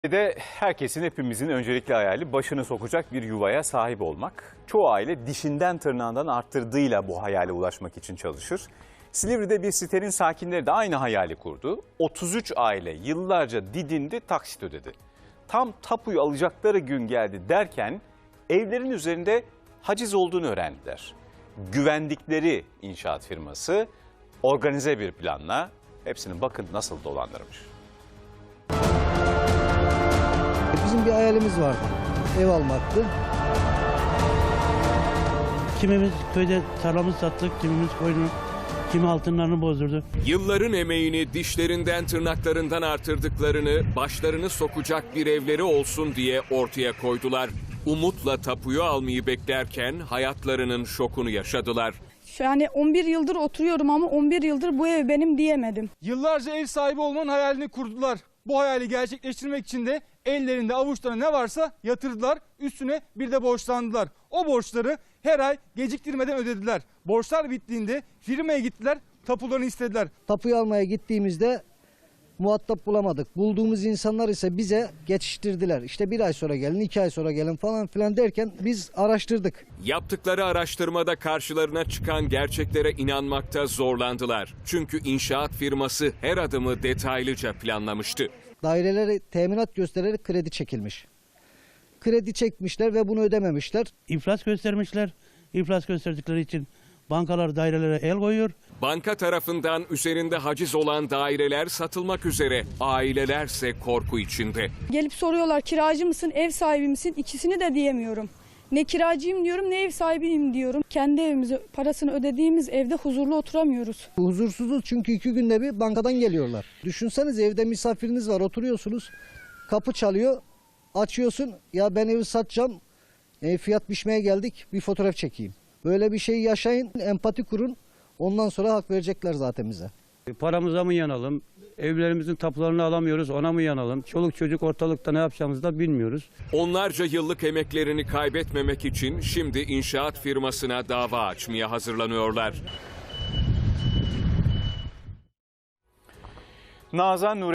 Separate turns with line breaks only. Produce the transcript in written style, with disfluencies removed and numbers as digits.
Herkesin, hepimizin öncelikli hayali başını sokacak bir yuvaya sahip olmak. Çoğu aile dişinden tırnağından arttırdığıyla bu hayale ulaşmak için çalışır. Silivri'de bir sitenin sakinleri de aynı hayali kurdu. 33 aile yıllarca didindi, taksit ödedi. Tam tapuyu alacakları gün geldi derken evlerin üzerinde haciz olduğunu öğrendiler. Güvendikleri inşaat firması organize bir planla hepsini bakın nasıl dolandırmış.
Bizim bir hayalimiz vardı. Ev almaktı.
Kimimiz köyde tarlamızı sattık, kimimiz koyunu, kimi altınlarını bozdurdu.
Yılların emeğini dişlerinden tırnaklarından artırdıklarını, başlarını sokacak bir evleri olsun diye ortaya koydular. Umutla tapuyu almayı beklerken hayatlarının şokunu yaşadılar.
Yani 11 yıldır oturuyorum ama 11 yıldır bu ev benim diyemedim.
Yıllarca ev sahibi olmanın hayalini kurdular. Bu hayali gerçekleştirmek için de ellerinde avuçlarında ne varsa yatırdılar. Üstüne bir de borçlandılar. O borçları her ay geciktirmeden ödediler. Borçlar bittiğinde firmaya gittiler, tapularını istediler.
Tapuyu almaya gittiğimizde muhatap bulamadık. Bulduğumuz insanlar ise bize geçiştirdiler. İşte bir ay sonra gelin, 2 ay sonra gelin falan filan derken biz araştırdık.
Yaptıkları araştırmada karşılarına çıkan gerçeklere inanmakta zorlandılar. Çünkü inşaat firması her adımı detaylıca planlamıştı.
Dairelere teminat göstererek kredi çekilmiş. Kredi çekmişler ve bunu ödememişler.
İflas göstermişler. İflas gösterdikleri için bankalar dairelere el koyuyor.
Banka tarafından üzerinde haciz olan daireler satılmak üzere, ailelerse korku içinde.
Gelip soruyorlar kiracı mısın, ev sahibi misin? İkisini de diyemiyorum. Ne kiracıyım diyorum ne ev sahibiyim diyorum. Kendi evimizi parasını ödediğimiz evde huzurlu oturamıyoruz.
Huzursuzuz çünkü 2 günde bir bankadan geliyorlar. Düşünseniz evde misafiriniz var, oturuyorsunuz. Kapı çalıyor, açıyorsun. Ya ben evi satacağım, fiyat biçmeye geldik, bir fotoğraf çekeyim. Böyle bir şey yaşayın, empati kurun. Ondan sonra hak verecekler zaten bize.
Paramıza mı yanalım? Evlerimizin tapularını alamıyoruz, ona mı yanalım? Çoluk çocuk ortalıkta ne yapacağımızı da bilmiyoruz.
Onlarca yıllık emeklerini kaybetmemek için şimdi inşaat firmasına dava açmaya hazırlanıyorlar.
Nazan Nur